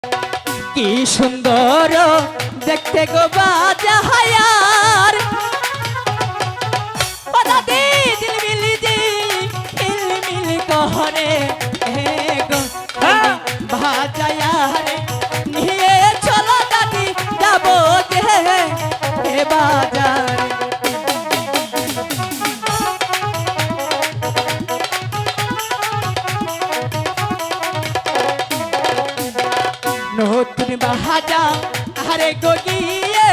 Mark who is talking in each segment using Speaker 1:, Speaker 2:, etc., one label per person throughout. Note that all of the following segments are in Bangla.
Speaker 1: কি সুন্দর দেখতে গো বাজার ও দাদি ঝিলমিলি ঝিলমিলি কহরে হে গো বাজার নিয়ে চলো দাদি যাবো যে হে বাজার নতুন বাহাজা আরে গো গিয়ে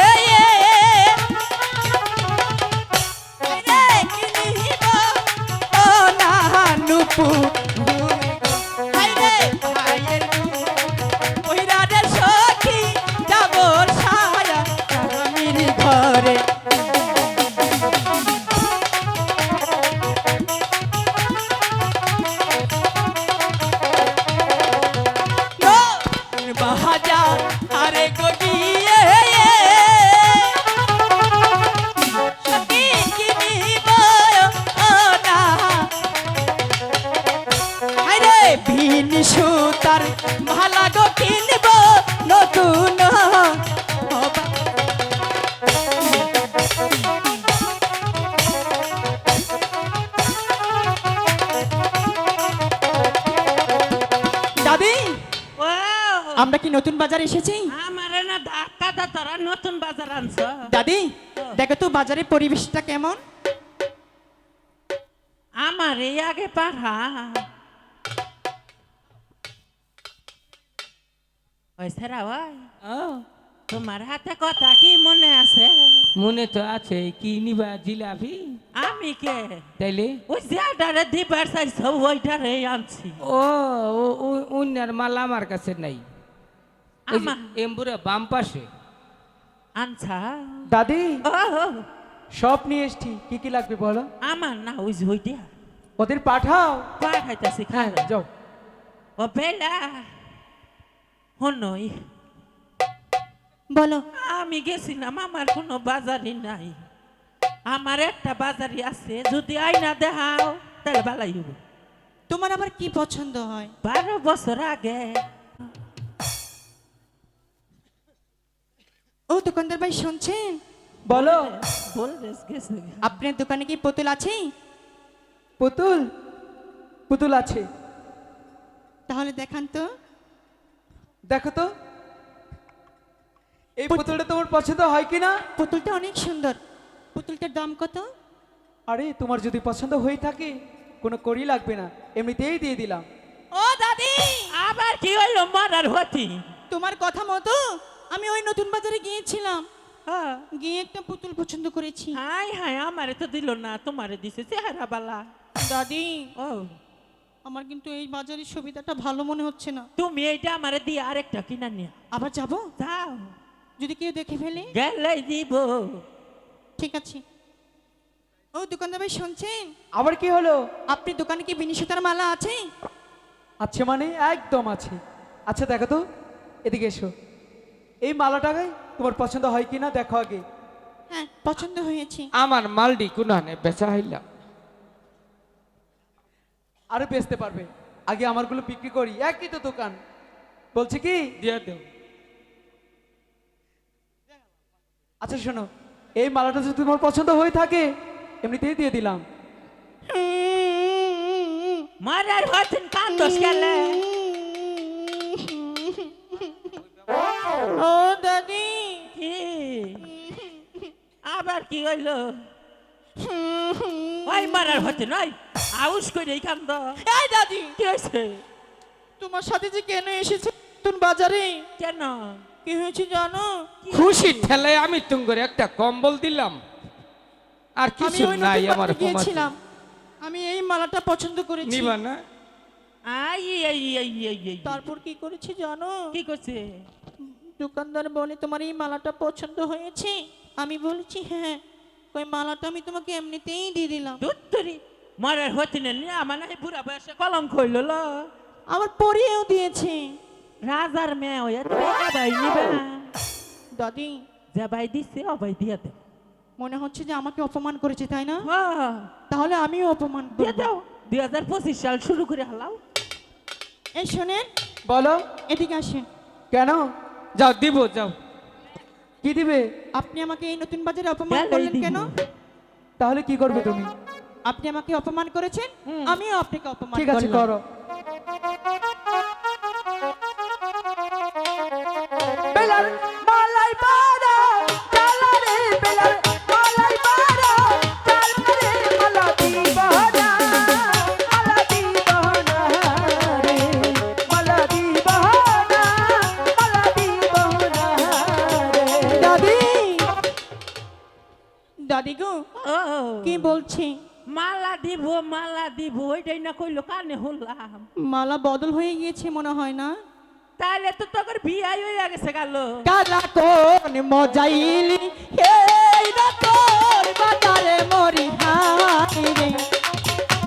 Speaker 1: রে কিনিব ও না নুপু হাইরে হাইয়ের ওইরা রে সখী যাব সায়া আমির ঘরে বাহাজা আরে গিয়ে সখী কিনিব ও না আরে ভিন সুতার ভালা গো কিনব নতুন দাদি আমরা কি নতুন বাজার এসেছি?
Speaker 2: আমারে না ধাক্কা দা তোরা নতুন বাজার আনছ।
Speaker 1: দাদি দেখো তো বাজারের পরিবেশটা কেমন।
Speaker 2: আমার এই আগে পাঠা ওই সারা ওই তোমার হাতে কথা কি মনে আছে?
Speaker 3: মনে তো আছে। কি নিবা জিলাপি?
Speaker 2: আমি কে
Speaker 3: তাইলে
Speaker 2: ওই যেটারে দিবার চাইছ ওইটারে আনছি।
Speaker 3: ও উন্নার মাল আমার কাছে নাই। এমবুরে বাম পাশে
Speaker 2: আনছা
Speaker 4: দাদি
Speaker 2: ও
Speaker 4: সব নিয়ে এসছি, কি কি লাগবে বলো।
Speaker 2: আমার না ওই যে ওইটা
Speaker 4: ওদের পাঠাও।
Speaker 2: পাঠাইতেছি
Speaker 4: হ্যাঁ যাও।
Speaker 2: ও বেলা হনই
Speaker 1: বলো
Speaker 2: আমি গেছিলাম, আমার কোনো বাজারই নাই। আমার একটা বাজারই আছে, যদি আইনা দেখাও তাহলে ভালাই হইব।
Speaker 1: তোমার আবার কি পছন্দ হয়?
Speaker 2: 12 বছর আগে
Speaker 1: ও দোকানদার ভাই শুনছেন?
Speaker 4: বলো।
Speaker 2: বল গেছে
Speaker 1: আপনার দোকানে কি পুতুল আছে?
Speaker 4: পুতুল পুতুল আছে।
Speaker 1: তাহলে দেখান তো।
Speaker 4: দেখো তো এই পুতুলটা তোমার পছন্দ হয় কিনা।
Speaker 1: পুতুলটা অনেক সুন্দর। পুতুলটার দাম কত?
Speaker 4: আরে তোমার যদি পছন্দ হয়ে থাকে কোনো কড়ি লাগবে না, এমনিতেই দিয়ে দিলাম।
Speaker 1: ও দাদি
Speaker 2: আবার কি হইলো মারার হতি?
Speaker 1: তোমার কথা মতো আমি ওই নতুন বাজারে গিয়েছিলাম,
Speaker 2: হ্যাঁ
Speaker 1: গিয়ে একটা পুতুল পছন্দ করেছি।
Speaker 2: হাই হাই, আমারে তো দিল না, তোমারে দিছে চেহারা বালা।
Speaker 1: দাদি
Speaker 2: ও
Speaker 1: আমার কিন্তু এই বাজারের সুবিধাটা ভালো মনে হচ্ছে না।
Speaker 2: তুমি এইটা আমারে দিয়ে আরেকটা কিনা নিয়া
Speaker 1: আবার যাব?
Speaker 2: যাও,
Speaker 1: যদি কেউ দেখে ফেলে?
Speaker 2: গেলেই দিব।
Speaker 1: ঠিক আছে। ও দোকানদার ভাই শুনছেন?
Speaker 4: আবার কি হলো?
Speaker 1: আপনি দোকানে কি বিনি সুতার মালা আছে?
Speaker 4: আছে মানে একদম আছে। আচ্ছা দেখো তো, এদিকে এসো। এই মালাটাকে তোমার পছন্দ হয় কিনা দেখো আগে।
Speaker 1: হ্যাঁ পছন্দ হয়েছে।
Speaker 3: আমার মালডি কোনানে বেচা হইলাম।
Speaker 4: আরে বেচতে পারবে, আগে আমারগুলো বিক্রি করি। একই তো দোকান। বলছি কি,
Speaker 3: দিয়ে দেও।
Speaker 4: আচ্ছা শোনো, এই মালাটা যদি তোমার পছন্দ হয়ে থাকে এমনিতেই দিয়ে দিলাম।
Speaker 2: মারার হতেন কান্দস গেলে।
Speaker 1: ও দাদি
Speaker 2: কি আবার কি হইলো? ওই মারার হতে নয়, আউস করে কান্দ।
Speaker 1: এই দাদি
Speaker 2: কি হয়েছে?
Speaker 1: তোমার সাথে যে কেন এসেছে নতুন বাজারে?
Speaker 2: কেন?
Speaker 1: কি হয়েছে জানো?
Speaker 3: খুশি ঠেলায় আমি তুঙ্গরে একটা কম্বল দিলাম, আর
Speaker 1: আমি
Speaker 3: কিছু
Speaker 1: ওই
Speaker 3: নাই
Speaker 1: নতুন
Speaker 3: আমার।
Speaker 1: বাজারে গিয়েছিলাম, আমি এই মালাটা পছন্দ করেছি।
Speaker 3: নিবা না?
Speaker 2: আই এই এই এই এই
Speaker 1: তারপর কি করেছি জানো?
Speaker 2: কি করছে?
Speaker 1: দোকানদার বলে তোমার এই মালাটা পছন্দ হয়েছে। আমি বলেছি হ্যাঁ। ওই মালাটা আমি তোমাকে এমনিতেই দিয়ে দিলাম।
Speaker 2: দুত্তরি মারার হতে না, আমার না বুড়া বয়সে কলঙ্ক হইল ল।
Speaker 1: আবার পরিয়েও দিয়েছে।
Speaker 2: রাজার মেয়ে হয়ে ভাই নিবে না।
Speaker 1: দাদি
Speaker 2: যে ভাই দিছে ও ভাই দিয়ে দে।
Speaker 1: মনে হচ্ছে যে আমাকে অপমান করেছে তাই না?
Speaker 2: হ্যাঁ
Speaker 1: তাহলে আমিও অপমান
Speaker 2: দিয়ে
Speaker 1: করব।
Speaker 2: দাও। 2025 সাল শুরু করে হালাও।
Speaker 1: এই শোনেন,
Speaker 4: বলো।
Speaker 1: এদিকে আসেন।
Speaker 4: কেন?
Speaker 3: যাও দিব যাও।
Speaker 4: কি দিবে?
Speaker 1: আপনি আমাকে এই নতুন বাজারে অপমান
Speaker 2: গেলেই
Speaker 1: করলেন
Speaker 2: দিব।
Speaker 1: কেন?
Speaker 4: তাহলে কি করবে তুমি?
Speaker 1: আপনি আমাকে অপমান করেছেন, আমিও আপনাকে অপমান
Speaker 4: ঠিক আছে,
Speaker 1: করলাম।
Speaker 4: করো। বেলার মালাই পারা চালা রে, বেলার মালাই পারা চালা রে, মালা দিবানা, মালা দিবানা রে, মালা দিবানা, মালা দিবানা রে।
Speaker 1: দাদি, দাদি গো,
Speaker 2: ও
Speaker 1: কি বলছি?
Speaker 2: মালা দিব ওইটাই না কইলো কানে হলাম।
Speaker 1: মালা বদল হয়ে গিয়েছে মনে হয় না?
Speaker 2: তাইলে তো তোর বিয়াই হয়ে গেছে গেল।
Speaker 1: কালা কোন মজাইলি এই রাতর বাজারে মরি হাই রে